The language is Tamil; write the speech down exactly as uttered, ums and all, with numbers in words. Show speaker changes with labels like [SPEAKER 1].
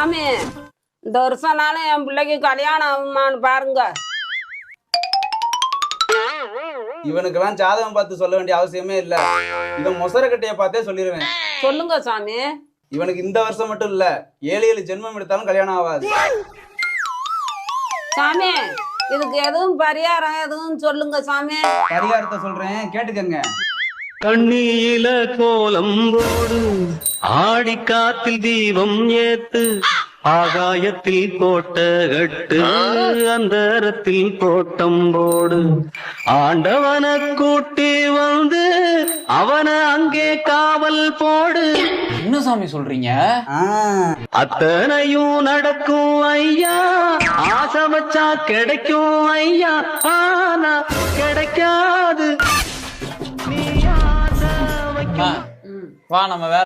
[SPEAKER 1] சாமி இந்த வருஷம்னாலும் என் பிள்ளைக்கு கல்யாணம் ஆகுமான்னு பாருங்க.
[SPEAKER 2] இவனுக்கெல்லாம் ஜாதகம் பார்த்து சொல்ல வேண்டிய அவசியமே இல்ல. இவன் மொசர கட்டைய பார்த்தே சொல்லிடுவேன்.
[SPEAKER 1] சொல்லுங்க சாமி.
[SPEAKER 2] இவனுக்கு இந்த வருஷம் மட்டும் இல்ல, ஏழு ஏழு ஜென்மம் எடுத்தாலும் கல்யாணம் ஆகாது.
[SPEAKER 1] சாமி இதுக்கு எதுவும் பரிகாரம் எதுவும் சொல்லுங்க சாமி.
[SPEAKER 2] பரிகாரத்தை சொல்றேன் கேட்டுக்கங்க.
[SPEAKER 3] கண்ணியில கோலம் போடு, ஆடி காத்தில் தீபம் ஏத்து, ஆகாயத்தில் கோட்ட கட்டு, அந்தரத்தில் கோட்டம் போடு, ஆண்டவன கூட்டி வந்து அவன அங்கே காவல் போடு.
[SPEAKER 4] என்ன சாமி சொல்றீங்க?
[SPEAKER 3] அத்தனையும் நடக்கும் ஐயா, ஆசை வச்சா கிடைக்கும் ஐயா, ஆனா கிடைக்காது.
[SPEAKER 4] வா நம்ம வேற